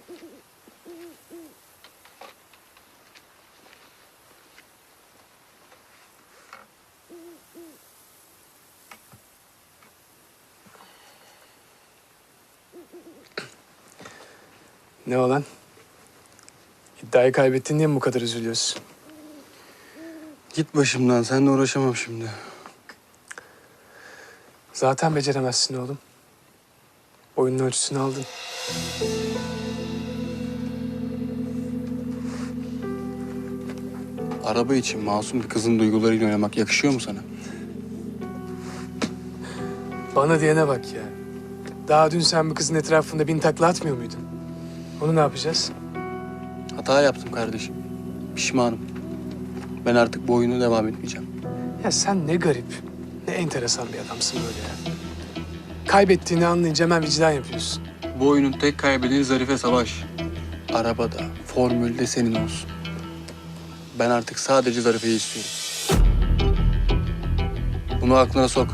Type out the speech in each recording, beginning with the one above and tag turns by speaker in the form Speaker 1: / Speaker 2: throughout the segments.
Speaker 1: Ne olan? İddiayı kaybettin diye mi bu kadar üzülüyorsun?
Speaker 2: Git başımdan, seninle uğraşamam şimdi.
Speaker 1: Zaten beceremezsin oğlum. Oyunun ölçüsünü aldın.
Speaker 2: Araba için masum bir kızın duygularıyla oynamak yakışıyor mu sana?
Speaker 1: Bana diyene bak ya. Daha dün sen bu kızın etrafında bin takla atmıyor muydun? Onu ne yapacağız?
Speaker 2: Hata yaptım kardeşim. Pişmanım. Ben artık bu oyuna devam etmeyeceğim.
Speaker 1: Ya sen ne garip, ne enteresan bir adamsın böyle ya. Kaybettiğini anlayınca hemen vicdan yapıyorsun.
Speaker 2: Bu oyunun tek kaybedeni Zarife Savaş. Arabada, formülde senin olsun. Ben artık sadece Zarife'yi istiyorum. Bunu aklına sok.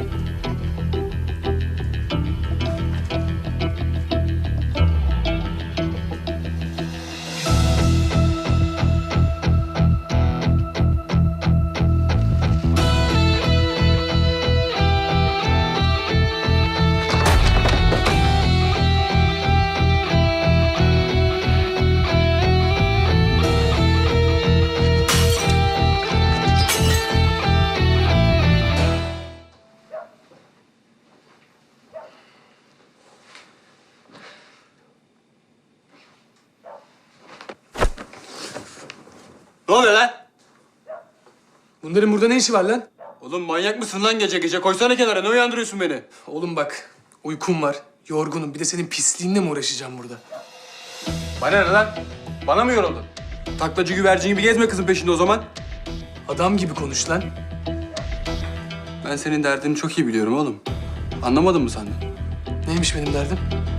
Speaker 2: Ne oluyor lan?
Speaker 1: Bunların burada ne işi var lan?
Speaker 2: Oğlum manyak mısın lan gece gece? Koysana kenara, ne uyandırıyorsun beni?
Speaker 1: Oğlum bak, uykum var, yorgunum. Bir de senin pisliğinle mi uğraşacağım burada?
Speaker 2: Bana ne lan? Bana mı yoruldun? Taklacı güvercin gibi gezme kızın peşinde o zaman.
Speaker 1: Adam gibi konuş lan.
Speaker 2: Ben senin derdini çok iyi biliyorum oğlum. Anlamadın mı sen de?
Speaker 1: Neymiş benim derdim?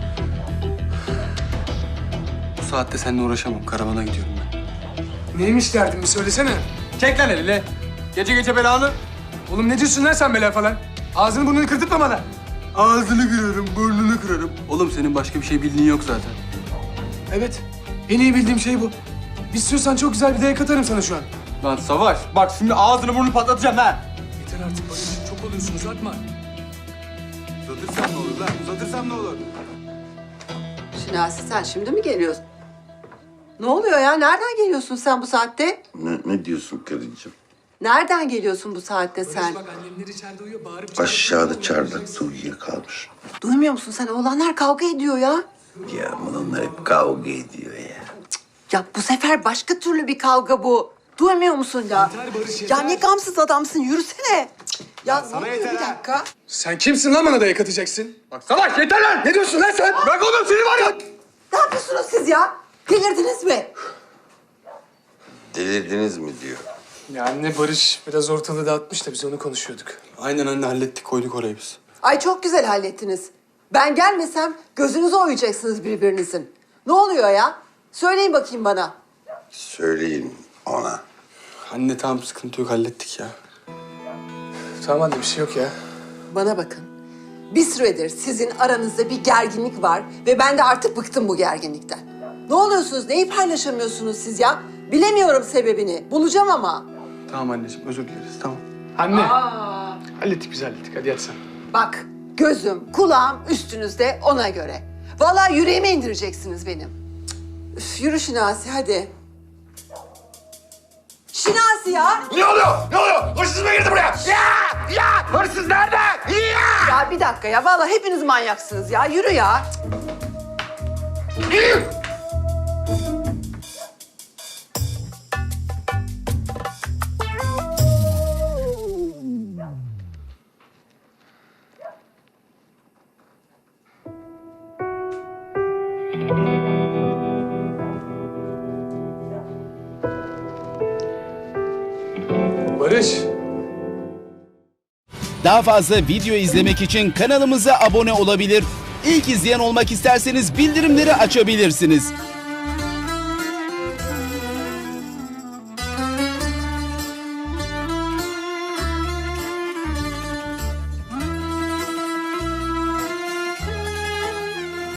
Speaker 2: Bu saatte seninle uğraşamam. Karavana gidiyorum ben.
Speaker 1: Neymiş derdim bir söylesene.
Speaker 2: Çek lan elini. Gece gece belanı.
Speaker 1: Oğlum ne diyorsun lan sen bela falan? Ağzını burnunu kırtıp bana.
Speaker 2: Ağzını kırarım, burnunu kırarım. Oğlum senin başka bir şey bildiğin yok zaten.
Speaker 1: Evet, en iyi bildiğim şey bu. İstiyorsan çok güzel bir dayak atarım sana şu an.
Speaker 2: Lan Savaş, bak şimdi ağzını burnunu patlatacağım ha.
Speaker 1: Yeter artık Barış, çok oluyorsunuz atma.
Speaker 2: Uzatırsam ne olur lan? Uzatırsam ne olur?
Speaker 3: Şinasi sen şimdi mi geliyorsun? Ne oluyor ya? Nereden geliyorsun sen bu saatte?
Speaker 4: Ne diyorsun karıcığım?
Speaker 3: Nereden geliyorsun bu saatte sen?
Speaker 1: Bak annemler içeride uyuyor, bağırıp
Speaker 4: Aşağıda çardakta uyuyakalmış.
Speaker 3: Duymuyor musun sen? Oğlanlar kavga ediyor ya.
Speaker 4: Ya bunlar hep kavga ediyor ya.
Speaker 3: Ya bu sefer başka türlü bir kavga bu. Duymuyor musun ya?
Speaker 1: Yeter Barış,
Speaker 3: Ya
Speaker 1: yeter.
Speaker 3: ne gamsız adamsın. Yürüsene. Ya
Speaker 2: sana
Speaker 3: ne oluyor?
Speaker 2: yeter
Speaker 3: Bir
Speaker 2: ha.
Speaker 3: dakika.
Speaker 1: Sen kimsin lan bana dayak atacaksın?
Speaker 2: Bak Savaş yeter lan!
Speaker 1: Ne diyorsun lan sen?
Speaker 2: Bırak oğlum seni var ya!
Speaker 3: Ne yapıyorsunuz siz ya? Delirdiniz mi?
Speaker 4: Delirdiniz mi diyor.
Speaker 1: Ya anne Barış biraz ortalığı dağıtmış da biz onu konuşuyorduk.
Speaker 2: Aynen anne hallettik koyduk orayı biz.
Speaker 3: Ay çok güzel hallettiniz. Ben gelmesem gözünüzü oyacaksınız birbirinizin. Ne oluyor ya? Söyleyin bakayım bana.
Speaker 4: Söyleyin ona.
Speaker 2: Anne tamam sıkıntı yok hallettik ya.
Speaker 1: Tamam anne bir şey yok ya.
Speaker 3: Bana bakın. Bir süredir sizin aranızda bir gerginlik var ve ben de artık bıktım bu gerginlikten. Ne oluyorsunuz? Neyi paylaşamıyorsunuz siz ya? Bilemiyorum sebebini. Bulacağım ama.
Speaker 2: Tamam anneciğim özür dileriz tamam.
Speaker 1: Anne. Hallettik biz hallettik. Hadi yat sen.
Speaker 3: Bak gözüm, kulağım üstünüzde ona göre. Vallahi yüreğime indireceksiniz benim. Cık. Üf, yürü Şinasi hadi. Şinasi ya.
Speaker 5: Ne oluyor? Ne oluyor? Hırsız mı girdi buraya? Ya! Hırsız nerede? Ya!
Speaker 3: Ya bir dakika ya. Vallahi hepiniz manyaksınız ya. Yürü ya.
Speaker 1: Barış.
Speaker 6: Daha fazla video izlemek için kanalımıza abone olabilir. İlk izleyen olmak isterseniz bildirimleri açabilirsiniz.